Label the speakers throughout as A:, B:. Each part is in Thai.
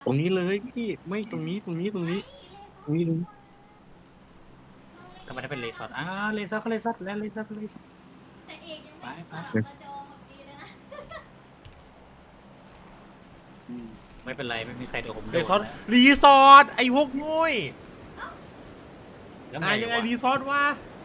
A: ตรงนี้เลยพี่ไม่ตรงนี้ตรงนี้ตรงนี้ตรงนี้ตรงนี้
B: ทำไมได้เป็นเลซอดเลซอดก็เลซอดแล้วเลซอดก็เลซอด
C: แต่เอกยังไม่สลับมาจอของจีเลยนะ
B: ไม่เป็นไรไม่มีใครโดนผมโด
D: รีซอส
B: นแล้ว
D: รีสอร์ทไอ้พวกงุ้ย
B: แล้ว
D: ยังไง
B: วะ
D: รีสอร์ทวะ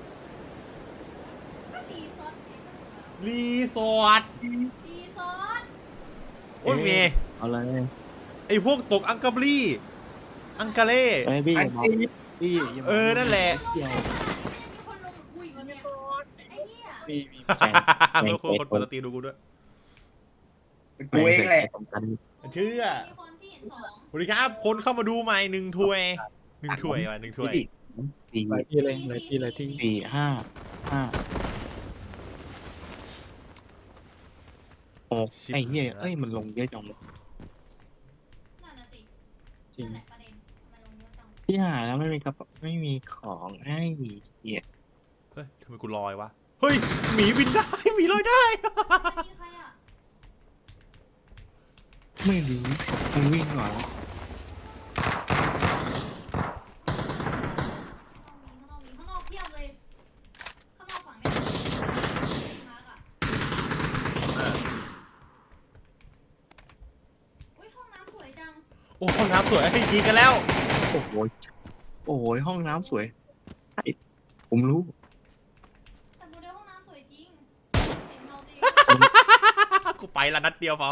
C: ก็ดีซอสเองก็ถูกแล้ว
D: รีสอร์ท
C: ดีซอส
D: โอ้ยเมย์
A: เอาเลย
D: ไอ้พวกตกอังกาบรีอังกาเล่
A: ไอ้พี่อย่ามาพี่อย่ามา
D: นั่นแหละ
A: เกี่ยว
C: มีคนลงคุยกันเนี่ยไอ้เหี้ย
A: มีแข่ง
D: แล้วคนเปิดสตรีมดูกูด้วย
A: กูเองแหละสำคัญ
D: เชื่อ
C: มีคนที่เห็นสอง
D: สวัสดีครับคนเข้ามาดูใหม่1 ถ้วย1 ถ้วยว่ะ1 ถ้วย
A: สี่
B: เลยที่เลยเลยที่เลยที่
A: สี่ห้าหกไอ้เหี้ยเอ้ยมันลงเยอะจังเลย
C: นั่นน่ะสิ
B: จริง
C: นั่นแหละประเด็นทำไมลงเยอะจัง
A: พี่หาแล้วไม่มีกระเป๋าไม่มีของไอ้เหี้ย
D: เฮ้ยทำไมกูลอยวะเฮ้ยหมีบินได้หมีลอยได้
C: อันนี้ใครอ่ะ
A: ไม่รู้มึงวิ่งก่อน
C: ข้างนอกเพียบเลย ข้างนอกฝั่งเนี้ยมาร์กอ่ะอุ้ยห้องน้ำสวยจัง
D: โอ้ห้องน้ำสวยให้ยิงกันแล้ว
A: โอ้โหโอ้โหห้องน้ำสวยไอ้ผมรู้
C: แต่โมเดลห้องน้ำสวยจริงเห็นเงาตัวเอง
D: กูไปละนัดเดียวพอ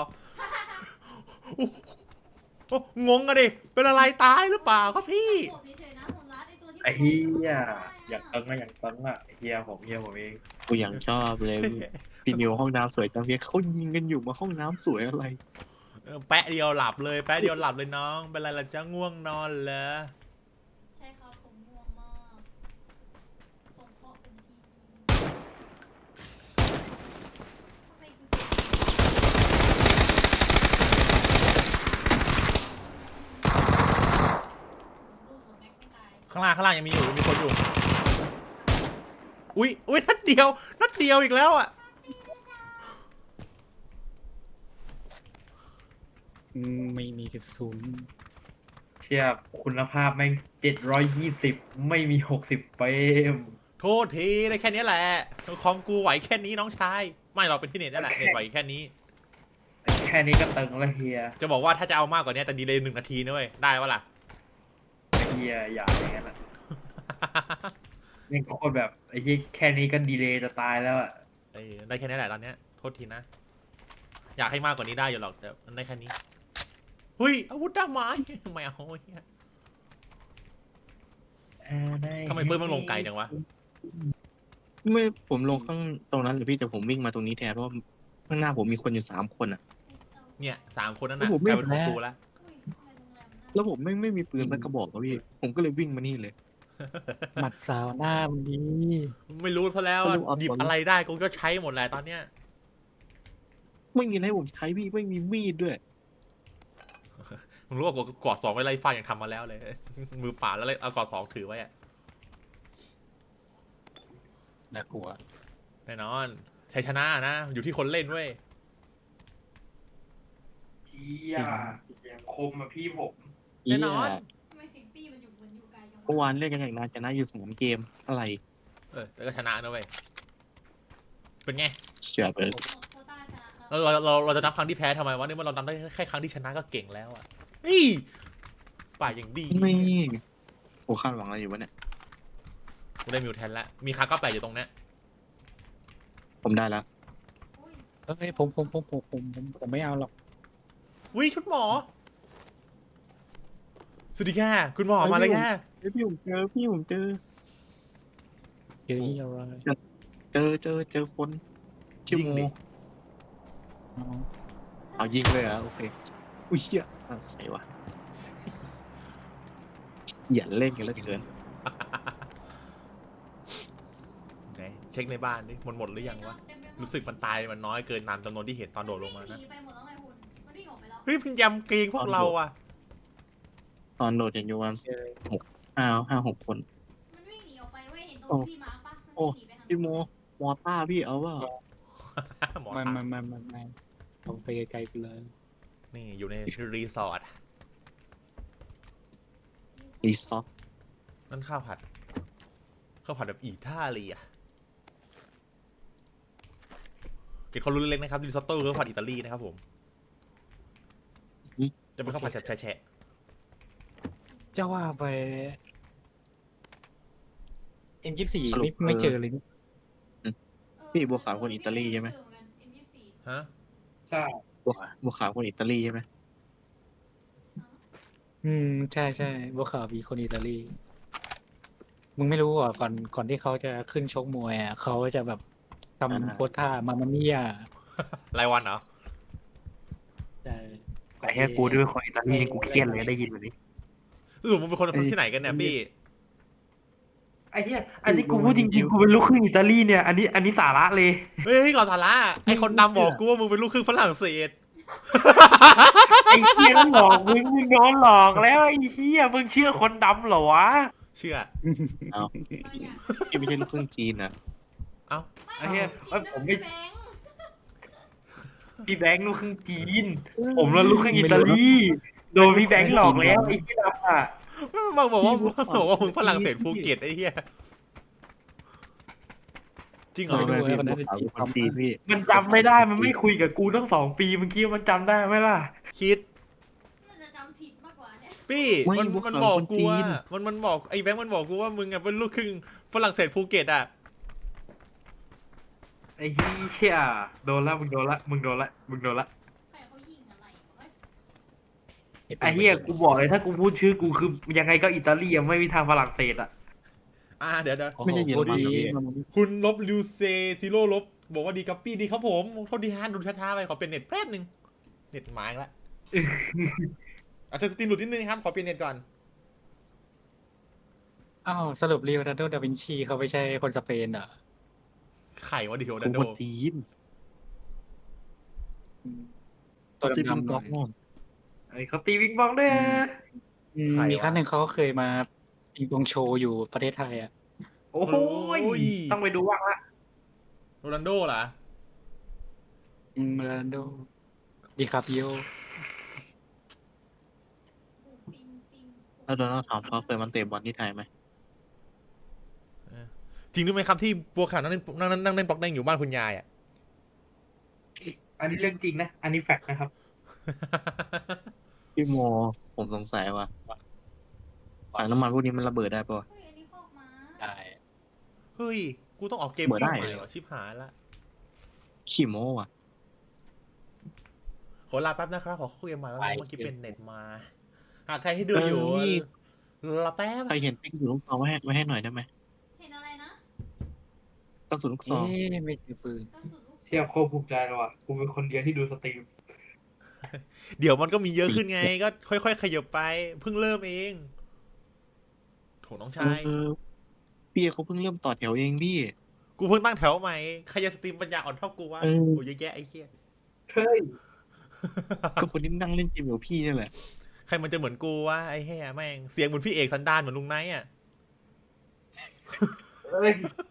D: โอ้งงอะดิเป็นอะไรตายหรือเปล่าครับพี่
C: ผมเฉยๆนะผมรัดไอ้ตัวที่
E: ไอ้เฮียอยากตังค์อะอยากตังค์อะเฮียผมเอง
A: กูยังชอบเลยพี่นิวห้องน้ำสวยจังเพียเขายิงกันอยู่มาห้องน้ำสวยอะไร
D: แปะเดียวหลับเลยแปะเดียวหลับเลยน้องเป็นไรล่ะจ๊ะง่วงนอนเหรอ
C: ใช่ครับผมง่วงมากส่งข้อผมทีทำไมกูลูกผมแม็กไม่ตาย
D: ข้างล่างยังมีอยู่มีคนอยู่อุ้ยนัดเดียวอีกแล้วอ่ะ
B: ไม่มีกระสุน
E: เทียบคุณภาพแม่ง720ไม่มี60เฟรม
D: โทษทีได้แค่นี้แหละคอมกูไหวแค่นี้น้องชายไม่เราเป็นที่เน็ตนั่นแหละเน็ตไหวแค่นี้
E: แค่นี้ก็ตึงแล้วเฮีย
D: จะบอกว่าถ้าจะเอามากกว่านี้แต่ดีเลย1 นาทีนะเว้ยได้ปะล่ะ
E: เฮียอย่าอย่างนั้นอะยังโคตรแบบไอ้ที่แค่นี้ก็ดีเลยจะตายแล้วอะ
D: ได้แค่นี้แหละตอนเนี้ยโทษทีนะ อยากให้มากกว่านี้ได้อยู่หรอกแต่มันได้แค่นี้เฮ้ยอาวุธด้ามไม้ไม่เอาเหี้ยทำไมเฟิร์สมันลงไกลจังวะ
A: ไม่ผมลงข้างตรงนั้นเลยพี่แต่ผมวิ่งมาตรงนี้แทนเพราะข้างหน้าผมมีคนอยู่3 คนอ่ะ
D: เนี่ย3 คนนั่นน่ะ
A: ผม
D: ก
A: ไม่
D: ลายเป็นของกูแล้ว
C: อุ้ยทำไมโรงแรมน่า
A: แล้วผมไม่มีปืนสักกระบอกอะพี่ผมก็เลยวิ่งมานี่เลย
B: หมัดสาวหน้ามันดี
D: ไม่รู้ซะแล้ว
A: ไม่รู้เอา
D: หยิบ
A: ตอน
D: อะไรได้กูก็ใช้หมดแหละตอนเนี้ย
A: ไม่มีอะไรให้ผมใช้พี่ไม่มีมีดด้วย
D: มึงรู้ว่ากูกอด2ไว้ไล่ฟาดยังทำมาแล้วเลย มือเปล่าแล้วเลยเอากอด2ถือไว้อะ
B: น่ากลัว
D: แน่นอนชัยชนะนะ อยู่ที่คนเล่นเว้ย
E: เฮียยังคมอะพี่ผม
D: แน่นอน
C: ทำไมเสียงปี้มันอยู่บนอยู่ไกลจัง
A: เมื่อวานเล่นกันอย่างนานชนะอยู่3 เกมอะไร
D: แต่ก็ชนะนะเว้ยเป็นไง
A: เชื่อไป
C: โคต้าชนะแล้ว
D: เราจะนับครั้งที่แพ้ทำไมวะนี่มันเรานับได้แค่ครั้งที่ชนะก็เก่งแล้วอะนี่ป่าอย่างดี
A: นี่โอ้คาดหวังอะไรอยู่วะเนี่ย
D: กูได้มิวแทนแล้วมีคาก็แปลอยู่ตรงเนี้ย
A: ผมได้แล้ว
C: อุ้ย
B: เฮ้ยผมไม่เอาหรอก
D: วิชุดหมอสวัสดีค่ะคุณหมอมาเลยค่ะ
A: พี่ผมเจอพี่ผมเจอ
B: เยอะที่อะไร
A: เจอคนชื่อ
D: ยิง
A: โม
D: ดิ
B: อ๋อ
A: เอายิงเลยเหรอ่ะโอเคอุ้ยเชี่ยใส่วะอย่าเล่นกันแล้วเกิน
D: ไหนเช็คในบ้านดิหมดหรือยังวะรู้สึกมันตายมันน้อยเกินตามจำนวนที่เห็นตอนโดดลงมานะ
C: วิ่หไปหมดแล้วไงคุณมันวิ่งออกไปแล้ว
D: เฮ้ยพยายามเกรงพวกเราอะ
A: ตอนโดดเห็นอยู่วัน5-6 คน
C: มันวิ่งหนีออกไปเว้ยเห็นตรงที่พี่มาร์คปะมันวิ่งหนีไปทาง
A: พี่โมมอต้าพี่เอาว่า
D: หมอ
B: ไม่
D: ตา
B: ไม่ลงไปไกลๆไปเลย
D: นี่อยู่ในรีสอร์ท
A: รีซอส
D: นั่นข้าวผัดแบบอิตาเลียเก็บความรู้เล็กๆนะครับริซอตโต้คือข้าวผัดอิตาลีนะครับผมจะเป็นข้าวผัดแฉะ
B: จะว่าไป M24 ไม่เจอเลยนี่
A: พี่บัวขาวคนอิตาลีใช่ไหม
D: ๆฮะ
E: ใช่
A: บัวขาวคนอิตาลีใช่ไหม
B: ใช่ใช่บัวขาวมีคนอิตาลีมึงไม่รู้อ่ะก่อนที่เขาจะขึ้นชกมวยอ่ะเขาจะแบบทำโพสท่ามามามี่อ่ะ
D: รายวันเหรอ
B: ใช่
E: แต่แค่กูด้วยคนอิตาลีนี่กูเครียดเลยได้ยินแบบนี้
D: สรุปมึงเป็นคนที่ไหนกันเนี่ยพี่
E: ไอ้เหี้ยอันนี้กูพูดจริงๆกูเป็นลูกครึ่งอิตาลีเนี่ยอันนี้สาระเลย
D: เฮ้ยก่อนสาระไอคนดำบอกกูว่ามึงเป็นลูกครึ่งฝรั่งเศส
E: ไอ้เหี้ยต้องหลอกมึงโดนหลอกแล้วไอ้เหี้ยมึงเชื่อคนดำเหรอวะ
D: เชื่อ
A: พี่ไม่ใช่ลูกครึ่งจีนนะ
D: เอ้า
E: ไอ้เหี้ยผมไม่พี่แบงค์ลูกครึ่งจีน ผมแล้วลูกครึ่งอิตาลีโดนพี่แบงค์หลอกแล้วไอ้เหี้ยดำอ่ะ
D: บางบอกว่ามึงฝรั่งเศสภูเก็ตไอ้เหี้ยจริงเหรอ
A: ไม่พี่บัวขาวเป็นคนจีนพี่
E: มันจำไม่ได้มันไม่คุยกับกูตั้ง2 ปีเมื่อกี้มันจำได้ไหมล่ะ
D: คิด
C: น่าจะจำผิดมากกว่าเนี่ย
D: พี่มันบอกกูว่ามันบอกไอ้แบงค์มันบอกกูว่ามึงอะเป็นลูกครึ่งฝรั่งเศสภูเก็ตอะ
E: ไอ้เหี้ยโดนละมึงโดนละ
C: ใครเขายิงอะไรวะ
E: ไอ้เหี้ยกูบอกเลยถ้ากูพูดชื่อกูคือยังไงก็อิตาลีอะไม่มีทางฝรั่งเศสอะ
D: เดี๋ยว
A: ไม่ใช่เยอรมัน
B: ดี
A: เหรอพี่
D: คุณลบลิวเซซิโร่ลบบอกว่าดีครับพี่ดีครับผมโทษดีฮะดูช้าๆไปขอเปลี่ยนเน็ตแป๊บนึงเน็ตหมายละอาจจะสตรีมหลุดนิดนึงครับขอเปลี่ยนเน็ตก่อน
B: อ้าวสรุปลีโอนาร์โด ดาวินชีเขาไม่ใช่คนสเปนเหรอ
D: ไข่วะดิโอ
A: ค
D: นั
A: น
D: นโด
A: จีน
B: ตัว
A: ที่เป็น
B: ดำๆห
A: ก๊
B: น่
A: อ
B: อก ย
A: มอน
E: ไอ้เขาตีวิงบองด้วยนะ
B: มีครั้งหนึ่งเขาเคยมาปิงปองโชว์อยู่ประเทศไทยอ่ะ
E: โอ้โหต้องไปดูบ้างละ
D: โรนัลโดเหรอ
B: โรนัลโดดิคาปิโอ
C: ปิงปิง
A: แล้วโดนัลด์ทรัมป์เขาเคยมาเตะบอลที่ไทยไหม
D: จริงหรือไม่ครับที่บัวขาวนั่งเล่นปอกแดงอยู่บ้านคุณยายอ่ะ
E: อันนี้เรื่องจริงนะอันนี้แฟกต์นะครับ
A: พี่โมผมสงสัยว่าถังน้ำมันพวกนี้มันระเบิดได้ปะวะ
C: เฮ้ยอันนี้คอกม้า
B: ได้
D: เฮ้ยกูต้องออกเกม
A: เปิดได้
D: ใหม่เหรอชิบหายละ
A: ขี้โม้ว่ะ
D: ขอลาแป๊บนะครับขอคุยกันใหม่ว่าเมื่อกี้เป็นเน็ตมาหากใครที่ดูอยู่ลาแป๊บ
A: ใครเห็นติ๊กอยู่ลูกซองไว้ให้หน่อยได้ไหม
C: เห็นอะไรนะ
A: กระสุนลูกซอง
B: ไม่เจอปืน
C: กระสุนลูก
E: เทียบโคตรภูมิใจเลยว่ะกูเป็นคนเดียวที่ดูสตรีม
D: เดี๋ยวมันก็มีเยอะขึ้นไงก็ค่อยๆขยับไปเพิ่งเริ่มเองโถน้องชาย
A: พี่เขาเพิ่งเริ่มต่อแถวเองพี่
D: กูเพิ่งตั้งแถวใหม่ใครจะสตรีมปัญญาอ่อนเท่ากูวะ
A: เออ
D: โอ้ยเยอะแยะไอ้เหี้ย
E: เฮ้ย
A: ก็คนที่นั่งเล่นเกมกับพี่นี่แหละ
D: ใครมันจะเหมือนกูวะไอ้เหี้ยแม่งเสียงเหมือนพี่เอกสันดานเหมือนลุงไนท์อ่ะ
E: เฮ้ย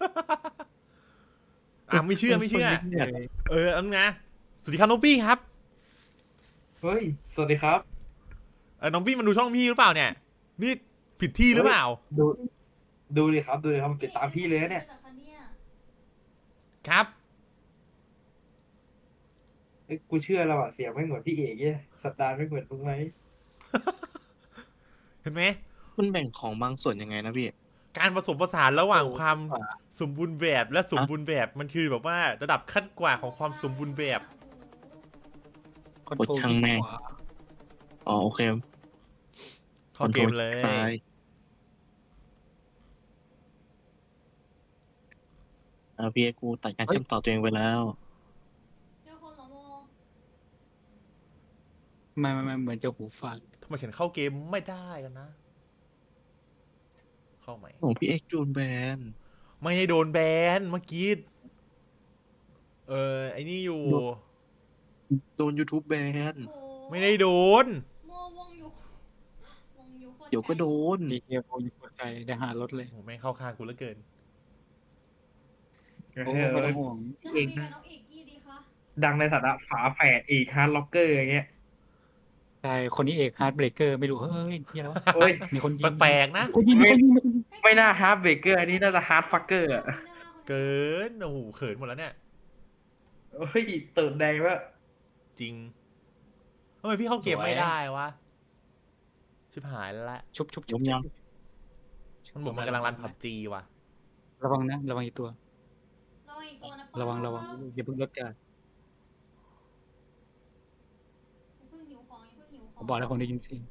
D: ไม่เชื่อ
A: คนนี้เนี่ย
D: อันนะสวัสดีครับน้องปี้ครับ
E: เฮ้ยสวัสดีครับ
D: น้องปี้มันดูช่องพี่หรือเปล่าเนี่ยนี่ผิดที่หรือเปล่า
E: ดูดิครับผมติดตามพี่เลยนะเนี่ย
D: ครับ
E: เอ้ยกูเชื่อแล้วอ่ะเสียงไม่เหมือนพี่เอกเนี่ยสัตดานไม่เหมือนมึงไหม
D: เห็นไหม
A: มันแบ่งของบางส่วนยังไงนะพี่
D: การผสมผสานระหว่างความสมบูรณ์แบบและสมบูรณ์แบบมันคือแบบว่าระดับขั้นกว่าของความสมบูรณ์แบบ
B: คอน
A: โอ้
B: โทรล
A: ช่างแม่ง อ๋อโอเค
D: เข้าเกมเลย
A: ตายพี่กูตัดการเชื่อมต่อตัวเองไปแล้ว
C: เจอคนเหรอโม
B: ไม่เหมือนจะหูฟัง
D: ทำไมฉันเข้าเกมไม่ได้กันนะ เข้าไหม
A: ของพี่เอ็กซ์จูนแบน
D: ไม่ให้โดนแบนเมื่อกี้ไอ้นี่อยู่
A: โดน YouTube แบน
C: โอ้
D: ไม่ได้โดน
C: โมวงอยู่โคตร
A: เดี๋ยวก็โดน
B: ดีเกียร์โฟนกดใจได้หารถเลย
D: โอ้ไม่งเข้าข้างกูเหลือเกิน
B: โอ้ไม่ต้องห่วง
C: จะทำยังไงกับน้องเอกกี้ดีคะ
E: ดังในฐานะฝาแฝดเอกฮาร์ดล็อกเกอร์อย่างเงี้ย
B: ใช่คนนี้เอกฮาร์ดเบรกเกอร์ไม่รู้เฮ้ยเฮียแล้ว
E: โอ้ย
B: มีคนยิง
D: แปลกๆนะ
B: คนยิงมีคนยิง
E: ไม่น่าฮาร์ดเบรกเกอร์อันนี้น่าจะฮาร์ดฟักเกอร์อะ
D: เกินโอ้โหเขินหมดแล้วเนี่ย
E: เฮ้ยเติร์ดแดงแล้ว
D: จริงทำไมพี่เข้าเกมไม่ได้วะชิบหายแล้วละ
B: ชุบชุบ
A: ย
B: ชุบ
A: มยัง
D: มันบอกมันกำลังรันผับจีว่ะ
B: ระวังนะระวังอีกตัว
C: ระวังอีกตัวนะ
B: ระวังอย่าเพิ่งลดการ
C: อย่าเพิ่งหิวของอย่าเพิ่งหิวข
B: ผ
C: อง
B: มบอกแล้วผมได้ยินเสียง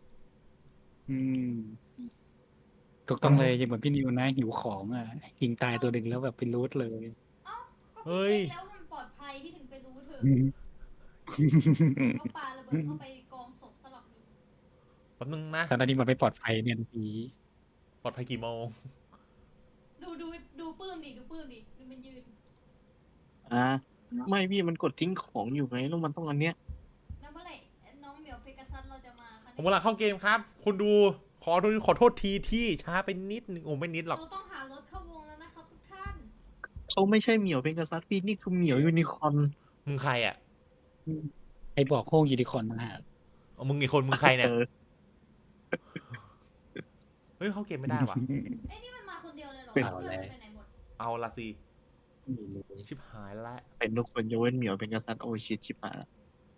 B: ถูกต้องเลยยังเหมือนพี่นิวนะหิวของอ่ะยิงตายตัวหนึ่งแล้วแบบเป็นรูทเลย
C: เอ้าก็พี่เช็คแล้วมันปลอดภัยพี่ถึงไปรู้เถอะก็ปาระเบิดเข้าไปกองศพสลับนี้
D: แป๊บนึงนะ
B: ตอนนี้มันไม่ปลอดภัยเนี่ยผี
D: ปลอดภัยกี่โมง
C: ดูปื้มดิดูมันยืน
A: ไม่พี่มันกดทิ้งของอยู่ไงแล้วมันต้องอันเนี้ย
C: แล้วเมื่อไหร่น้องเหมียวเพกาซัสเราจะมาคะ
D: ผมกำลังเข้าเกมครับคุณดูขอโทษทีที่ช้าไปนิดนึงโอ้ไม่นิดหรอก
C: เราต้องหารถเข้าวงแล้วนะครับทุกท่าน
A: เขาไม่ใช่เหมียวเป็นกษัตริย์พี่นี่คือเหมียวยูนิคอร์น
D: มึงใครอ่ะ
B: ไอ้บอกโค้งยูนิคอร์นนะฮะ
D: เอามึงอีกคนมึงใครเนี่ย
A: เออ
D: เฮ้ยเข้าเกมไม่ได้ว่ะ
C: เอ้ยนี่มันมาคนเดียวเลยเหรอ
B: เป็น
C: เพื่อนมันไปไหนหมด
D: เอาละสิ
B: ไม่รู้
D: ชิบหายละ
A: เป็นทุกคนยกเว้นเหมียวเป็นกษัตริย์โอ้ชิตชิบหายละ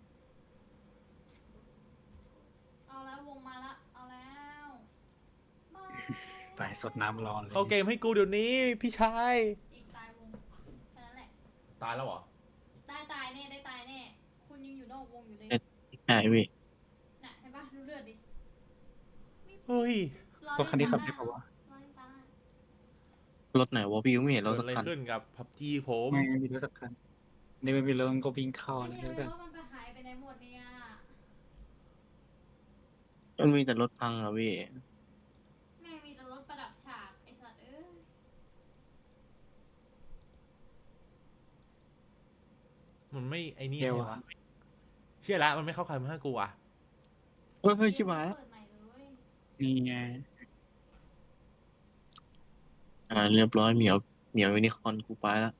C: เอาแล้ววงมาละเอาแล้วบาย
B: ไปสดน้ำร้อนเลย
D: เข้าเกมให้กูเดี๋ยวนี้พี่ชาย
C: อีกตายวงแค่นั้นแหละ
D: ตายแล้วเหรอ
C: ตายแน่ได้ตายแน่ คุณยังอยู่นอกวงอยู่เลย
A: ใช่พี่
C: น่ะเห็นปะดูเลือดดิ
D: เฮ้ย
B: ตัวคันที่ขับได้ปะวะ
C: รอเล่นตาหน้าร
A: ถไหนวะพี่ก็ไม่เห็น
D: เกิ
A: เรา
D: ด
A: สัก
D: อะไร
A: คัน
D: ขึ้นกับพับจีผม
B: ไม่มีรถสักคันนี่ไม่มีรถก็วิ่งเข้า
C: ไอ้
B: นะ
C: เหี้ย
B: แล้วก็
C: รถมันไปหายไปไหนหมดเนี่ย
A: มันมีแต่รถพังอะพี่
C: แม่งมีแต่รถประดับฉากไอ้สัตว์เอ้ย
D: มันไม่ไอ้นี่
B: เดี๋ยว
D: ไงวะเชื่อแล้วมันไม่เข้าใครมาให้กูอ่ะ
A: เฮ้ยชิบหายแล้ว
C: เปิดใหม่เลย
B: นี่ไง
A: เรียบร้อยเหมียวยูนิคอร์นกูไปแล้ว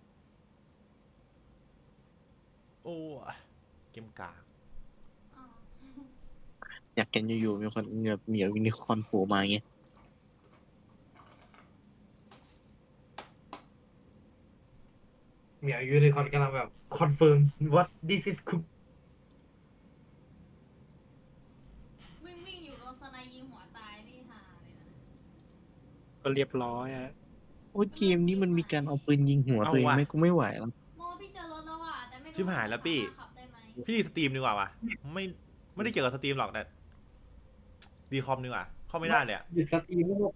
D: โอ้เกมกาก
C: อ๋อ
A: อยากเห็นอยู่ๆมีคนแบบเหมียวยูนิคอร์นโผล่มาอย่างเงี้ย
E: เหมียวยูนิคอร์นกำลังแบบคอนเฟิร์มว่า this is cook
C: วิ่งอยู่โดนสไนยิงหัวตายนี่ห่าเลยนะ
B: ก็เรียบร้อยอ่ะ
A: โอ้ยเกมนี้มันมีการเอาปืนยิงหัวตัวเองไหมกูไม่ไหวแล้ว
C: โมพี่เจอรถแล้วอ่ะแต่ไม่รู้
D: ชิบหายแล้วปี้
C: ขับได้ไหม
D: พี่สตรีมดีกว่าวะไม่ได้เกี่ยวกับสตรีมหรอกแต่ดีคอมดีกว่าเข้าไม่ได้เลยอะ
E: หยุดสตรีมแล้ว